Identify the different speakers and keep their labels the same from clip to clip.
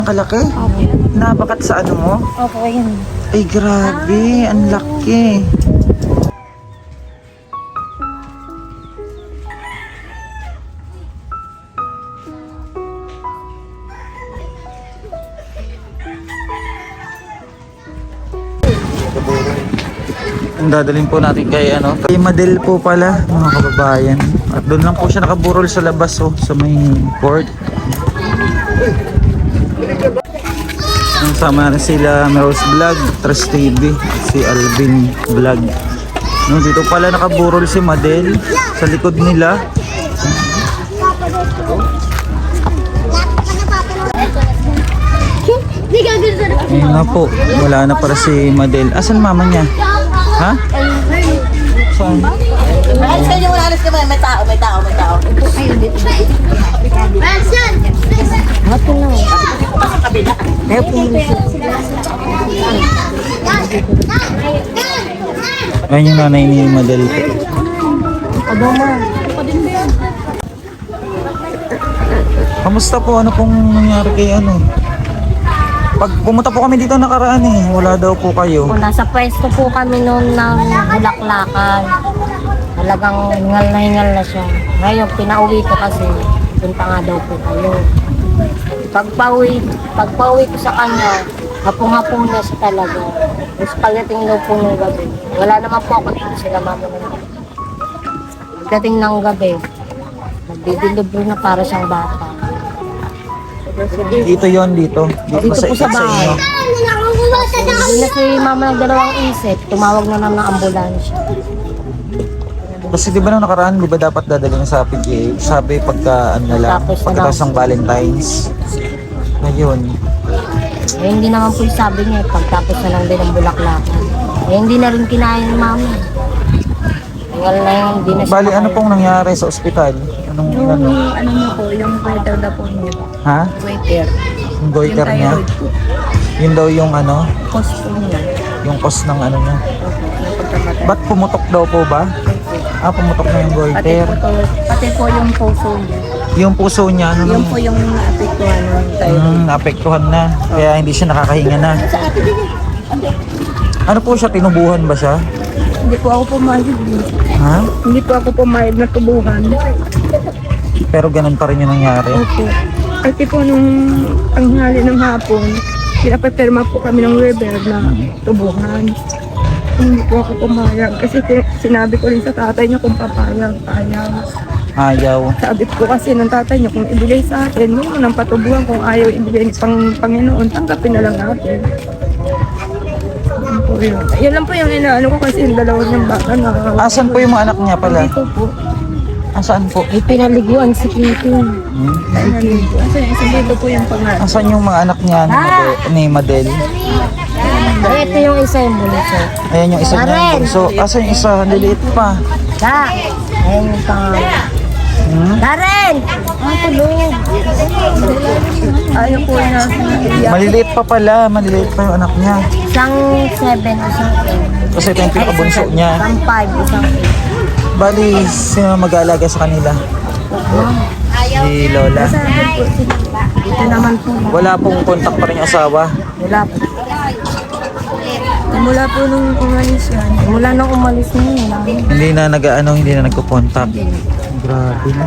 Speaker 1: Kalaki?
Speaker 2: Opo.
Speaker 1: Nabakat sa ano mo?
Speaker 2: Opo, yun.
Speaker 1: Ay, grabe. Ang laki. Ang dadalhin po natin kay ano, kay Madel po pala, mga kababayan. At doon lang po siya nakaburol sa labas, oh, sa may court. Sama na sila Rose Vlog, Trust TV, si Alvin Vlog. No, dito pala nakaburol si Madel sa likod nila. Ayun na po, wala na para si Madel. Asan mama niya? Ha? Saan?
Speaker 3: Alis kayo, alis ka ba? May tao.
Speaker 2: Ayun, dito. Hapo na. Ayaw po muna siya.
Speaker 1: Ayun yung nanay ni Madel.
Speaker 2: Abama.
Speaker 1: Kamusta po? Ano pong nangyari kay ano? Pag pumunta po kami dito nakaraan eh, wala daw po kayo.
Speaker 2: Po, nasa pwesto po kami noon ng Bulaklakan. Talagang hingal na siya. Ngayon, pinauwi ko kasi punta nga daw po kayo. Pagpauwi ko sa kanya, hapong-hapong na siya talaga. Tapos pagdating daw po ng gabi, wala naman po ako dito sila mama naman. Pagdating ng gabi, nagdidilibro na para siyang bata.
Speaker 1: Dito yon dito.
Speaker 2: Dito po sa bahay.
Speaker 1: inyo.
Speaker 2: Hindi na si mama nagdalawang isip, tumawag na lang ng ambulansya.
Speaker 1: Kasi di ba nung nakaraan, di ba dapat dadalhin sa PGA? Sabi pagka ano na lang,
Speaker 2: Tapos na
Speaker 1: pagkatapos
Speaker 2: lang.
Speaker 1: ng Valentine's. Ngayon,
Speaker 2: Eh, hindi naman po yung sabi niya, pagtapos na lang din ng Bulaklakan. Eh, hindi na rin kinaya ng mama. Hingal na yun, hindi na siya
Speaker 1: bali ano
Speaker 2: makaya.
Speaker 1: pong nangyari sa ospital? Anong ano?
Speaker 4: Ano niyo po, yung waiter na po niyo.
Speaker 1: Ha?
Speaker 4: Waiter.
Speaker 1: Yung goiter
Speaker 4: Yung
Speaker 1: niya?
Speaker 4: thyroid po.
Speaker 1: Yun daw yung ano?
Speaker 4: Cost po niya.
Speaker 1: Yung cause ng ano niya?
Speaker 4: Opo, yung pagkamatay.
Speaker 1: Ba't pumutok daw po ba? Ah, pumutok na yung goiter.
Speaker 4: Pati po yung puso niya.
Speaker 1: Yung puso niya, ano
Speaker 4: Yung po yung naapektuhan ng thyroid.
Speaker 1: naapektuhan na. Kaya hindi siya nakakahinga na. Ano po siya? Tinubuhan ba siya?
Speaker 4: Hindi po ako pumayag.
Speaker 1: Ha?
Speaker 4: Hindi po ako pumayag na tubuhan.
Speaker 1: Pero ganun pa rin yung nangyari.
Speaker 4: Opo. Kasi po nung tanghali ng hapon, pinapaperma po kami ng river na tubuhan. Hindi po ako pumayag kasi sinabi ko rin sa tatay niya kung papayag, ayaw.
Speaker 1: Ayaw.
Speaker 4: Sabi ko kasi ng tatay niya kung ibigay sa akin, huwag mo nang patubuhan kung ayaw ibigay pang Panginoon, tanggapin na lang natin. Yan po yun. Yan lang po yung inaano ko kasi yung dalawa niyang bata na.
Speaker 1: Asan po yung mga anak niya pala?
Speaker 4: Dito po.
Speaker 1: Asaan po?
Speaker 2: May pinaliguan si Kitty.
Speaker 4: Ay, nandito. Kasi dito po yung pangalan.
Speaker 1: Asan yung mga anak niya ni Madel?
Speaker 2: Eh, ito yung isa yung bunso.
Speaker 1: Ayan yung isa niya.
Speaker 2: Karen!
Speaker 1: So, asan yung isa? Liliit pa.
Speaker 2: Da! Ayan yung pangalan. Karen! Ang tulog.
Speaker 4: Ayaw po na.
Speaker 1: Maliliit pa pala. Maliliit pa yung anak niya.
Speaker 2: Isang 7, isang 8.
Speaker 1: Kasi ito yung pinakabunso niya.
Speaker 2: Isang 5, isang
Speaker 1: Bali, sino mag-aalaga sa kanila? Si Lola.
Speaker 2: Dito naman po.
Speaker 1: Wala pong contact pa rin yung asawa.
Speaker 2: Wala po.
Speaker 4: Mula po nung umalis yan.
Speaker 2: Mula nung umalis na yun, wala na.
Speaker 1: Hindi na nagko-contact. Grabe na.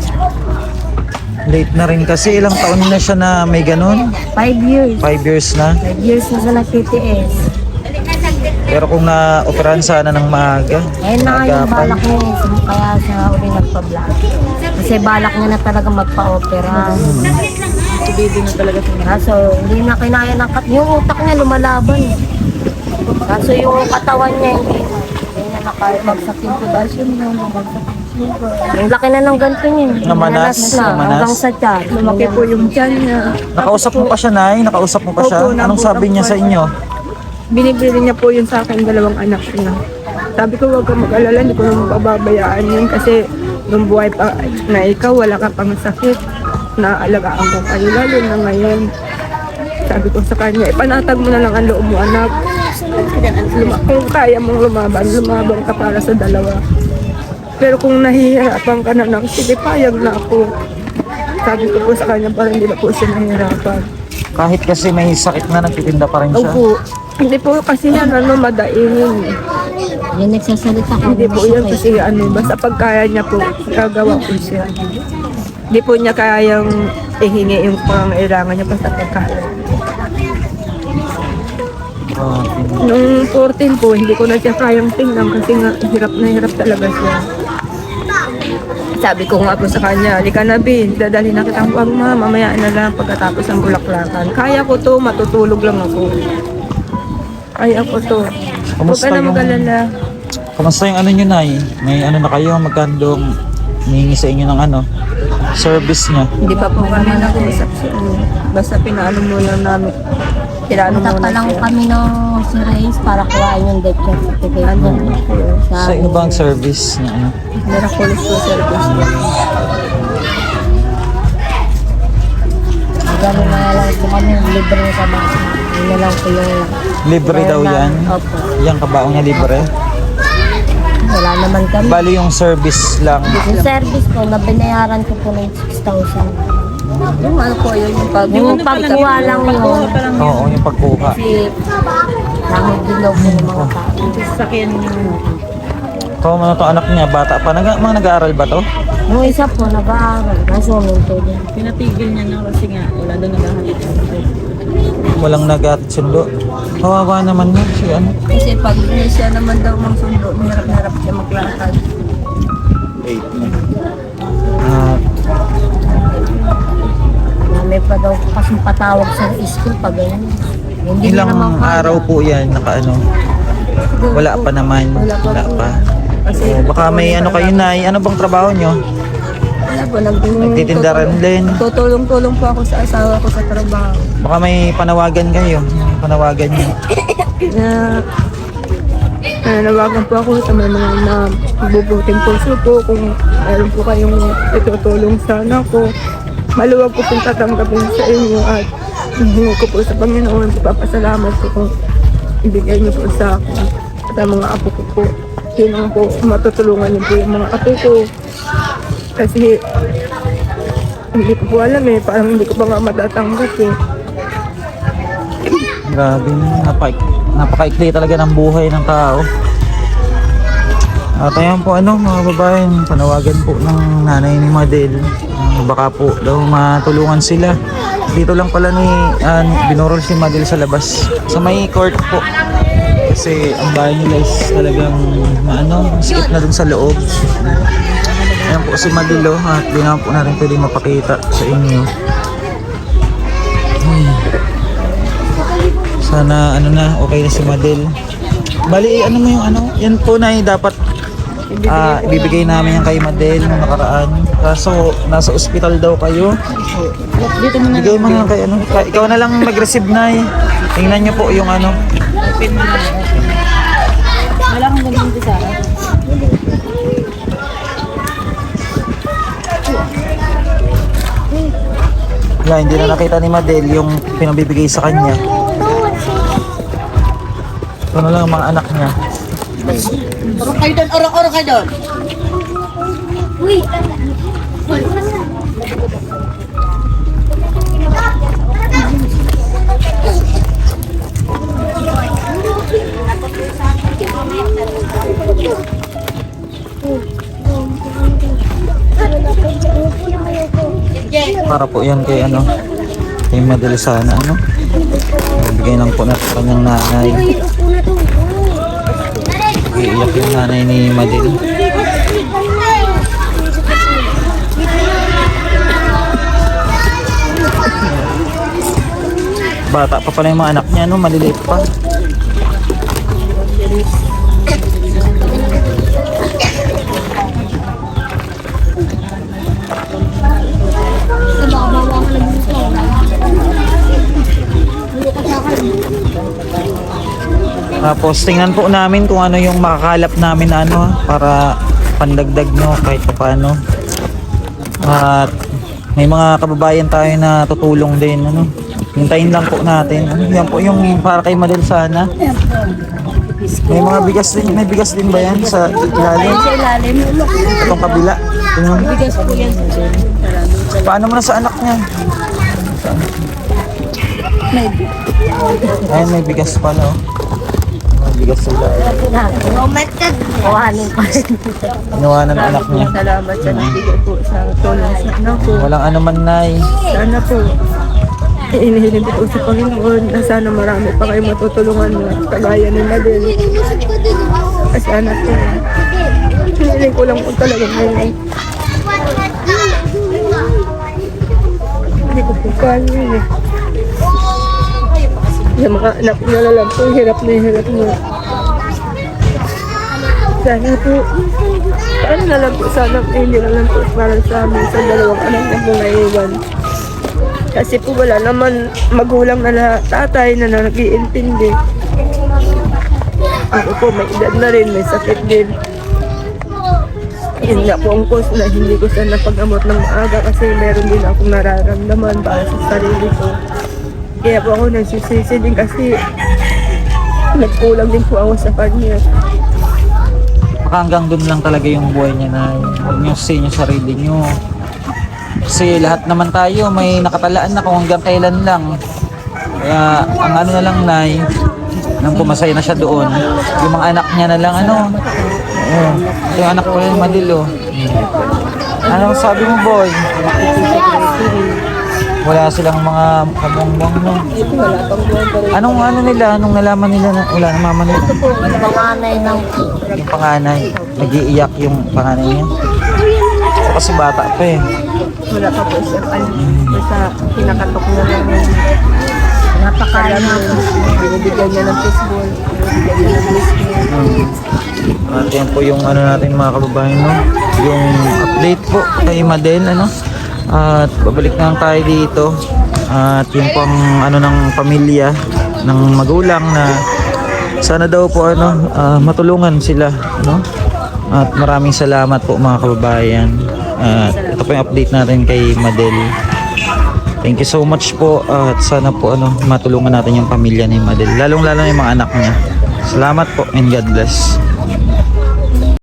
Speaker 1: Late na rin kasi. Ilang taon na siya na may ganun?
Speaker 2: 5 years.
Speaker 1: 5 years na.
Speaker 2: 5 years na siya nag-TTS.
Speaker 1: Pero kung na-operahan sana ng maaga,
Speaker 2: Ayun na nga yung
Speaker 1: maagapan.
Speaker 2: balak niya eh. Kaya siya uli nagpa-vlog. Kasi balak niya na talaga magpa-opera.
Speaker 4: Si baby na talaga ito.
Speaker 2: Kaso hindi na kinaya ng yung utak niya lumalaban eh. Kaso yung katawan niya hindi na nakabagsak yung potassium niya. Yung laki na ng ganito niya.
Speaker 1: Namanas,
Speaker 2: na.
Speaker 1: namanas.
Speaker 2: Hanggang sa tiyan.
Speaker 4: Lumaki po yung tiyan niya.
Speaker 1: Nakausap mo pa siya, Nay? Nakausap mo pa siya?
Speaker 4: Opo,
Speaker 1: Anong sabi niya sa inyo?
Speaker 4: Binibili niya po yun sa akin, dalawang anak niya. Sabi ko, huwag kang mag-alala, hindi ko naman pababayaan yun kasi nung buhay pa na ikaw, wala ka pang sakit. Naalagaan ko kayo, lalo na ngayon. Sabi ko sa kanya, ipanatag mo na lang ang loob mo, anak. Kung kaya mong lumaban ka para sa dalawa. Pero kung nahihirapan ka na lang, sige, payag na ako. Sabi ko po sa kanya, parang hindi na po siya nahihirapan.
Speaker 1: Kahit kasi may sakit na, nagtitinda pa rin siya.
Speaker 4: Opo. Hindi po kasi yan, madaingin.
Speaker 2: Yung nagsasalita ko.
Speaker 4: Hindi po yan kasi basta pagkaya niya po, gagawa po siya. Hindi po niya kayang ihingi yung pangangailangan niya basta pagkaya. Nung 14 po, hindi ko na siya kayang tingnan kasi nga hirap na hirap talaga siya. Sabi ko nga po sa kanya, halika na Bin, dadalhin na kitang wag ma, mamaya na lang pagkatapos ng bulaklakan. Kaya ko to, matutulog lang ako. Kaya ko to. Huwag ka na mag-alala.
Speaker 1: Kamusta yung ano nyo, Nay? May ano na kayo, magkandong hihingi sa inyo ng ano, service niya.
Speaker 4: Hindi pa po kami nag-uusap siya. Basta pinaano muna namin. Pinaano
Speaker 2: Punta pa
Speaker 4: muna
Speaker 2: lang
Speaker 4: siya.
Speaker 2: kami ng si Reyes para kuhain yung death certificate niya.
Speaker 1: Sa inyo ba ang service na ano?
Speaker 4: Miraculous po service niya.
Speaker 2: Gano'n na lang po kami, libre sa basa. Yun na lang po yung...
Speaker 1: Libre daw yan?
Speaker 2: Opo.
Speaker 1: Yang kabaong niya libre?
Speaker 2: Wala naman kami.
Speaker 1: Bali yung service lang.
Speaker 2: Yung service po, nabinayaran ko po ng 6,000.
Speaker 4: Yung ano po yun, yung
Speaker 2: Yung pagkuha lang yun.
Speaker 1: Oo, yung pagkuha.
Speaker 2: Kasi dahil dilaw po ng mga tao.
Speaker 1: Ito, ano to anak niya, bata pa. Mga nag-aaral ba to?
Speaker 2: Yung isa po, nag-aaral. Nasumin po din.
Speaker 3: Pinatigil niya na kasi nga, wala doon naghahatid.
Speaker 1: Walang nag-sundo. Kawawa naman yun si ano.
Speaker 4: kasi pag hindi siya naman daw mang sundo, hirap-hirap siya maglakad.
Speaker 1: Ah,
Speaker 2: May pa daw kasing patawag sa school pag ganyan. Hindi
Speaker 1: ilang
Speaker 2: naman kaya.
Speaker 1: araw po yan naka ano? Wala pa naman. Wala pa.
Speaker 4: Kasi
Speaker 1: Oh, baka may ano kayo, Nay. Ano bang trabaho nyo?
Speaker 4: wala po,
Speaker 1: Nagtitinda rin din.
Speaker 4: tutulong-tulong po ako sa asawa ko sa trabaho.
Speaker 1: Baka may panawagan kayo. Panawagan nyo.
Speaker 4: Nanawagan po ako sa mga bubuting puso po kung mayroon po kayong itutulong sana ko. Maluwag ko pong tatanggapin sa inyo at hihingi ko po sa Panginoon. Papasalamat po kung ibigay niyo po sa akin at ang mga apo ko po. Yun ang po, matutulungan niyo po yung mga apo ko. Kasi hindi ko po alam parang hindi ko pa nga matatanggap
Speaker 1: Grabe, napakaikli talaga ng buhay ng tao. At ayan po mga babae, panawagan po ng nanay ni Madel. Baka po daw matulungan sila. Dito lang pala binurol si Madel sa labas. Sa may court po. Kasi ang bahay nila is talagang sikip na dun sa loob. Ayan po si Madel at di naman po natin pwede mapakita sa inyo. Sana okay na si Madel. Bali mo yung yan po na dapat ibibigay namin yan kay Madel nung nakaraan. Kaso nasa ospital daw kayo. Bigay mo na lang kay ikaw na lang mag-receive na Tingnan niyo po yung
Speaker 3: Wala kang ganun sa akin.
Speaker 1: hindi na nakita ni Madel yung pinabibigay sa kanya. Ito na lang ang mga anak niya.
Speaker 3: Orong kayo doon, orong kayo doon.
Speaker 1: Para po yan kay kay Madel sana bigay lang po natin sa kanyang nanay. Iiyak yung nanay ni Madel. Bata pa pala yung mga anak niya maliliit pa. Tapos tingnan po namin kung ano yung makakalap namin na para pandagdag kahit paano. At may mga kababayan tayo na tutulong din hintayin lang po natin. Yan po yung para kay Madel sana. May mga bigas din ba yan sa ilalim?
Speaker 4: Sa ilalim,
Speaker 1: Itong kabila. Tingnan mo.
Speaker 4: bigas po yan.
Speaker 1: Paano mo na sa anak niya? Ayun, may bigas pala, oh. May bigas sila.
Speaker 2: Oh my God! Kuhanin pa rin.
Speaker 1: Inuwanan ng anak niya.
Speaker 4: Salamat sa nagbigay po sa tulong sa anak ko.
Speaker 1: Walang ano man, Nay.
Speaker 4: Sana po, inihiling ko sa Panginoon na sana marami pa kayo matutulungan na kagaya ni Madel. Kasi anak ko, hinihiling ko lang po talaga ngayon. Hindi ko po kaya yun eh. Yung mga anak ko na lang po, hirap na hirap mo. Sana po, paano na lang po, sana hindi na lang po para sa amin sa dalawang anak na po naiwan. Kasi po wala naman magulang na tatay na nag-iintindi. Ako po may edad na rin, may sakit din. Yun nga po ang cause na hindi ko siya napag-amot ng maaga kasi meron din akong nararamdaman para sa sarili ko. Kaya po ako nagsisisi din kasi nagkulang din po ako sa kanya.
Speaker 1: Baka hanggang doon lang talaga yung buhay niya, Nay. Huwag niyo sa sarili niyo. Kasi lahat naman tayo may nakatalaan na kung hanggang kailan lang. Kaya ang ano na lang, Nay, nang pumasaya na siya doon, yung mga anak niya na lang, ano. Oo, yung anak ko yung Madil, oh. Ano sabi mo, boy? Wala silang mga kabongbong, no?
Speaker 4: Wala pang buwan pa rin.
Speaker 1: Anong ano nila, anong nalaman nila na wala na mama nila?
Speaker 2: Panganay ng
Speaker 1: Yung panganay, nag-iiyak yung panganay niya. Kasi bata pa eh.
Speaker 4: Wala pa po siyang sa pinakatok na lang yung
Speaker 2: napakain na po.
Speaker 4: binibigyan niya ng fishball, binibigyan niya ng biscuit.
Speaker 1: At yan po yung ano natin mga kababayan, no? Yung update po kay Madel, ano? At babalik na lang tayo dito. At yung pang ano ng pamilya ng magulang na sana daw po ano matulungan sila, no? At maraming salamat po mga kababayan. At ito po yung update natin kay Madel. Thank you so much po at sana po ano matulungan natin yung pamilya ni Madel, lalong-lalo na yung mga anak niya. Salamat po and God bless.